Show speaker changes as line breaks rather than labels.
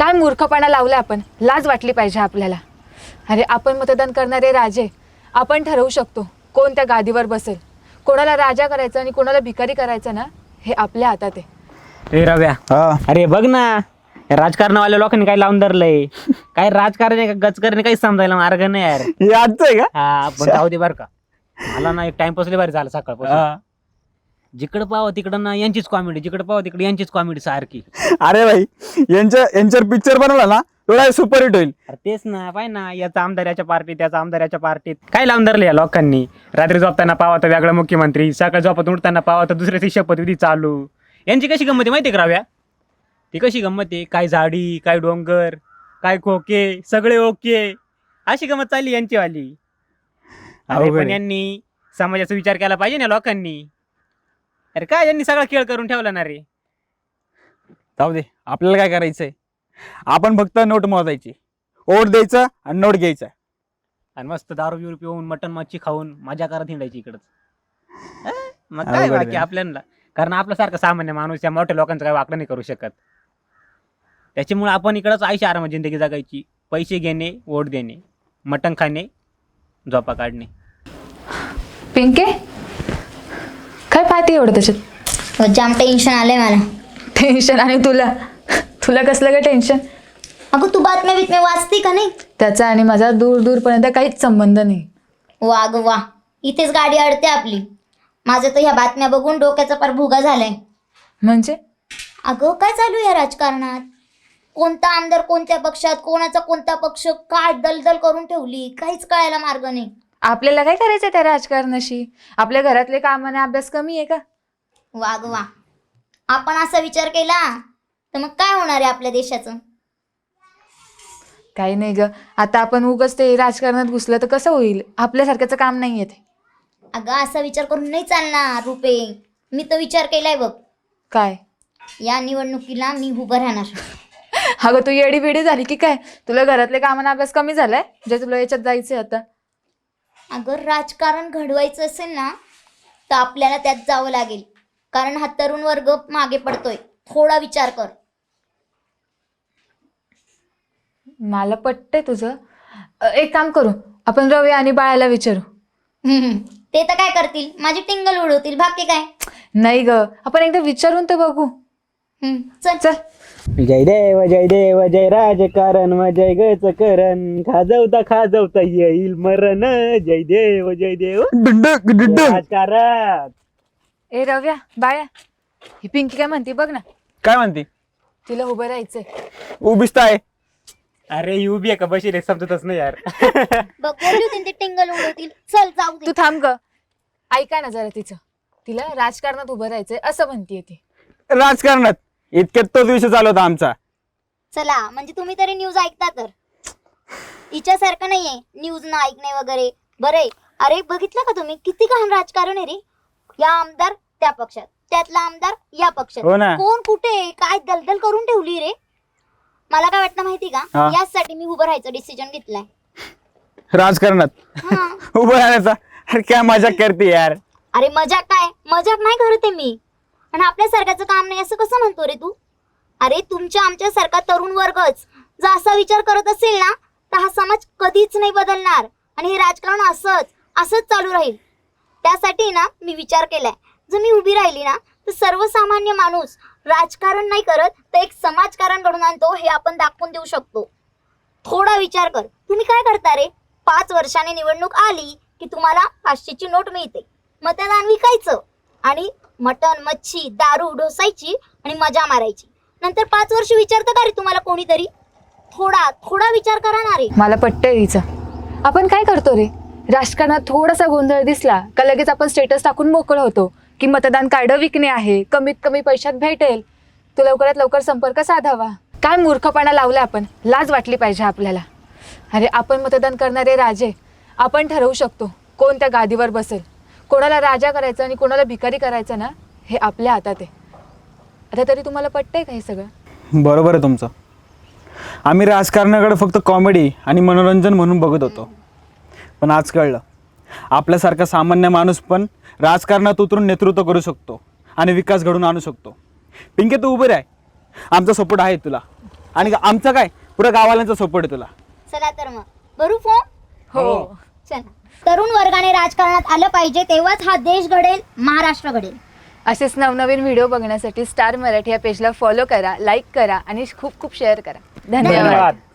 काय मूर्खपणा लावला आपण, लाज वाटली पाहिजे आपल्याला. अरे आपण मतदान करणारे राजे, आपण ठरवू शकतो कोण त्या गादीवर बसेल. कोणाला राजा करायचं आणि कोणाला भिकारी करायचं ना, हे आपल्या हातात आहे.
ए रव्या, अरे बघ ना, राजकारणावाल्या लोकांनी काय लावून धरलंय. काय राजकारण आहे का गजकारण काही समजायला मार्ग नाही यार.
हे आजचं आहे का?
हा पण जाऊ दे बर का, मला ना एक टाइमपास लय भारी झाला सकाळपासून. जिकडं पाहावं तिकडं ना यांचीच कॉमेडी, जिकडं पाहावं तिकडे यांचीच कॉमेडी सारखी.
अरे भाई, यांच्यावर पिक्चर बनवला ना थोडा सुपरहिट होईल.
अरे तेच ना, पाय ना, याचा आमदार याच्या पार्टीत, त्याचा आमदार याच्या पार्टीत. काय लावून धरले या लोकांनी. रात्री झोपताना पावा तर वेगळा मुख्यमंत्री, सकाळी झोपत उठताना पावा तर दुसऱ्याची शपथविधी चालू. यांची कशी गंमत आहे माहिती आहे राव्या? ती कशी गंमत आहे, काय झाडी, काय डोंगर, काय खोके, सगळे ओके, अशी गंमत चालली यांची वाली. अरे पण यांनी समाजाचा विचार केला पाहिजे ना लोकांनी. अरे काय यांनी सगळा खेळ करून ठेवला ना रे.
जाऊ दे, आपल्याला काय करायचंय, आपण फक्त नोट मोजायची, ओट द्यायचं आणि नोट घ्यायचं
आणि मस्त दारू बिरू पिऊन मटन मच्छी खाऊन मजा करत हिंडायची इकडच. मग काय बाकी आपल्याला, कारण आपल्यासारखा सामान्य माणूस या मोठ्या लोकांचं काय वाकडं नाही करू शकत. त्याच्यामुळे आपण इकडंच आयुष्य आरामात जिंदगी जगायची. पैसे घेणे, वोट देणे, मटण खाणे, झोपा काढणे.
पिंके, काय पाहते एवढं त्याच्यात?
जाम टेन्शन आलंय मला.
टेन्शन? आणि तुला तुला कसलं काय टेन्शन?
अगं तू बातम्या बितम्या वाचते का नाही?
त्याचा आणि माझा दूर दूरपर्यंत काहीच संबंध नाही.
वा ग वा, इथेच गाडी अडते आपली. माझं तर ह्या बातम्या बघून डोक्याचा पार भुगा झालाय.
म्हणजे?
अगं काय चालू आहे राजकारणात? कोणता आमदार कोणत्या पक्षात, कोणाचा कोणता पक्ष, काय दलदल करून ठेवली, काहीच कळायला मार्ग नाही.
आपल्याला काय करायचं त्या राजकारणाशी? आपल्या घरातले कामाने अभ्यास कमी आहे का?
वा ग वा, आपण असा विचार केला तर मग काय होणार आहे आपल्या देशाचं?
काही नाही ग, आता आपण उगाच ते राजकारणात घुसलं तर कसं होईल? आपल्यासारख्याचं काम नाही आहे ते.
अगं असा विचार करून नाही चालणार रुपे. मी तर विचार केलाय बघ.
काय?
या निवडणुकीला मी उभं राहणार.
अगं तू येडी बिडी झाली की काय? तुला घरातले कामाने अभ्यास कमी झालाय जे तुला याच्यात जायचंय आता?
अगं राजकारण घडवायचं असेल ना तर आपल्याला त्यात जावं लागेल, कारण हा तरुण वर्ग मागे पडतोय. थोडा विचार कर.
मला पटतंय तुझं. एक काम करू, आपण रवी आणि बाळाला विचारू.
ते तर काय करतील, माझी टिंगल उडवतील, बाकी काय.
नाही ग, आपण एकदा विचारून तर बघू.
चल
चल.
जय देव जय देव जय राजकारण जय गच करण, खाजवता येईल मरण. जय देव राजकारण.
ए रव्या, बाळा, ही पिंकी काय म्हणते बघ ना.
काय म्हणते?
तिला उभं राहायचंय.
उभीच तर आहे.
अरे ही उभी आहे का बशी रे, समजतच नाही यार.
बघ, बोलली होती ते टिंगल उडवतील. चल जाऊ दे.
तू थांब ग, ऐका ना जरा तिचं. तिला राजकारणात उभं राहायचंय असं म्हणतीये ती.
राजकारणात इतक्यात तोच विषय चालू होता आमचा.
चला, म्हणजे तुम्ही तरी न्यूज ऐकता तर. हिच्यासारखं नाहीये न्यूज न ऐकणे वगैरे. बरे, अरे बघितलं का तुम्ही किती घाण राजकारण आहे रे. या आमदार त्या पक्षात, त्यातला आमदार या पक्षात.
हो ना.
कोण कुठे काय दलदल करून ठेवली रे. मला काय वाटतं माहिती का, यासाठी मी उभं राहायचं डिसिजन घेतलाय.
राजकारणात
हा.
उभं राहण्याचा? अरे काय मजाक करते यार.
अरे मजाक काय, मजाक नाही करत आहे मी. आणि आपल्यासारख्याचं काम नाही असं कसं म्हणतो रे तू? अरे तुमच्या आमच्यासारखा तरुण वर्गच जर असा विचार करत असेल ना तर हा समाज कधीच नाही बदलणार आणि हे राजकारण असंच चालू राहील. त्यासाठी ना मी विचार केलाय, जर मी उभी राहिली ना तर सर्वसामान्य माणूस राजकारण नाही करत तर एक समाजकारण घडून आणतो हे आपण दाखवून देऊ शकतो. थोडा विचार कर. तुम्ही काय करता रे? 5 वर्षांनी निवडणूक आली की तुम्हाला 500ची नोट मिळते, मतदान विकायचं आणि मटण मच्छी दारू ढोसायची आणि मजा मारायची. नंतर 5 वर्ष विचारतं का रे तुम्हाला कोणीतरी? थोडा विचार करा ना रे.
मला पटतंय तिचं. आपण काय करतो रे, राजकारणात थोडासा गोंधळ दिसला का लगेच आपण स्टेटस टाकून मोकळं होतो की मतदान कार्ड विकणे आहे, कमीत कमी पैशात भेटेल, तो लवकरात लवकर संपर्क साधावा. काय मूर्खपणा लावला आपण, लाज वाटली पाहिजे आपल्याला. अरे आपण मतदान करणारे राजे, आपण ठरवू शकतो कोण त्या गादीवर बसेल. कोणाला राजा करायचं आणि कोणाला भिकारी करायचं ना, हे आपल्या हातात आहे. आता तरी तुम्हाला पटतंय का हे सगळं?
बरोबर आहे तुमचं. आम्ही राजकारणाकडे फक्त कॉमेडी आणि मनोरंजन म्हणून बघत होतो, पण आज कळलं आपल्यासारखा सामान्य माणूस पण राजकारणात उतरून नेतृत्व करू शकतो आणि विकास घडवून आणू शकतो. पिंके तू उभे राह, आमचा सपोर्ट आहे तुला. आणि आमचं काय पुऱ्या गावाल्यांचा सपोर्ट आहे तुला.
चला तर मग भरू फॉर्म.
हो.
चला, तरुण वर्गाने राजकारणात आलं पाहिजे, तेव्हाच हा देश घडेल, महाराष्ट्र घडेल.
असेच नवनवीन व्हिडिओ बघण्यासाठी स्टार मराठी या पेजला फॉलो करा, लाईक करा आणि खूप खूप शेअर करा. धन्यवाद.
धन्यवाद.